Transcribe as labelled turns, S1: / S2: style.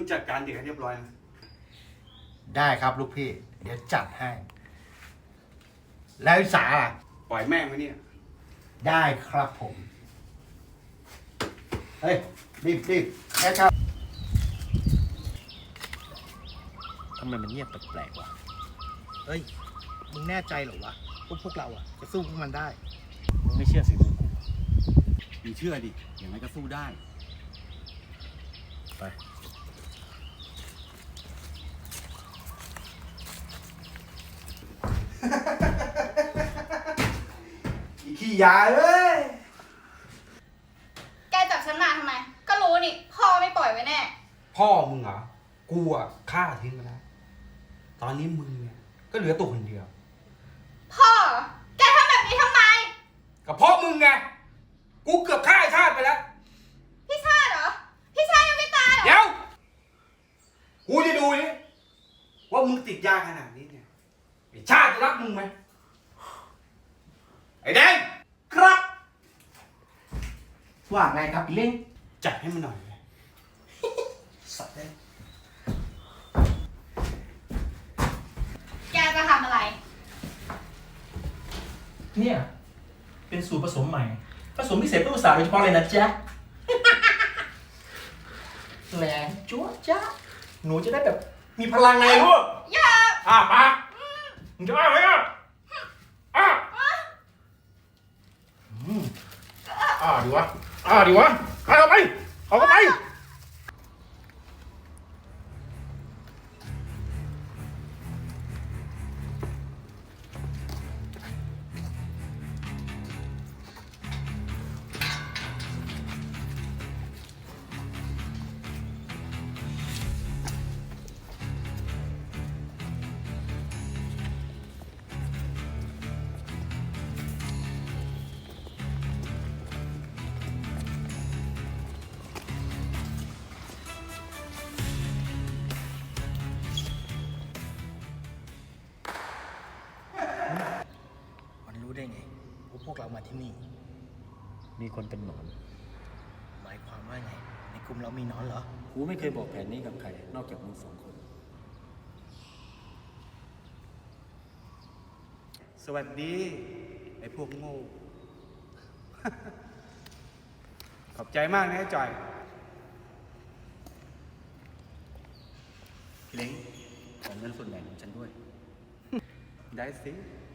S1: จัดการเด็กให้เรียบร้อยนะ
S2: ได้ครับลูกพี่ เดี๋ยวจัดให้ แล้วสาล่ะ
S1: ปล่อยแม่งไว้เนี่ย
S2: ได้ครับผม เฮ้ย รีบแค่ครับ
S3: ทำไมมันเงียบแปลกๆวะ
S2: เฮ้ย มึงแน่ใจเหรอวะพวกเราอะจะสู้พวกมันได้
S3: มึงไม่เชื่อสิมึงกู
S1: มึงเชื่อดิ อย่างไรก็สู้ได้
S3: ไป
S1: อีขี้ยาเอ้ย
S4: แกจับฉันมาทำไม ก็รู้นี่ พ่อไม่ปล่อยไว้แน่
S1: พ่อมึงเหรอ กูอ่ะฆ่าทิ้งไปแล้ว ตอนนี้มึงเนี่ยก็เหลือตัวคนเดียว
S4: พ่อ แกทำแบบนี้ทำไม
S1: กับพ่อมึงไง กูเกือบฆ่าไอ้ชาติไปแล้ว
S4: พี่ชาติเหรอ พี่ชาติยังไม่ตายเหรอ
S1: เดี๋ยว กูจะดูนี่ว่ามึงติดยาขนาดนี้เนี่ย ไอ้ชาติจะรักมึงไหม ไอ้แดง
S2: ครับ ว่าไงครับพี่เล้ง
S1: จัดให้มันหน่อยเลย
S2: สัตว์เลย
S4: แกจะทำอะไร
S5: เนี่ย เป็นสูตรผสมใหม่ ผสมพิเศษเพื่อภาษาโดยเฉพาะเลยนะจ๊ะ แรงจ๊วะจ๊ะหนูจะได้แบบมีพลังไงลูก
S4: อย่า
S5: ปากมึงจะอ้าไหมอ่ะดีวะเอาไปเอาเข้าไป
S2: มันรู้ได้ไงว่าพวกเรามาที่นี่
S3: มีคนเป็นหนอน
S2: หมายความว่าไง ในกลุ่มเรามีหนอนเหรอ
S3: กูไม่เคยบอกแผนนี้กับใคร นอกจากมึง2 คน
S1: สวัสดี ไอ้พวกโง่ ขอบใจมากนะไอ้จอย
S3: พี่เล้งขอเงินส่วนแบ่งของฉันด้วย
S1: ได้สิ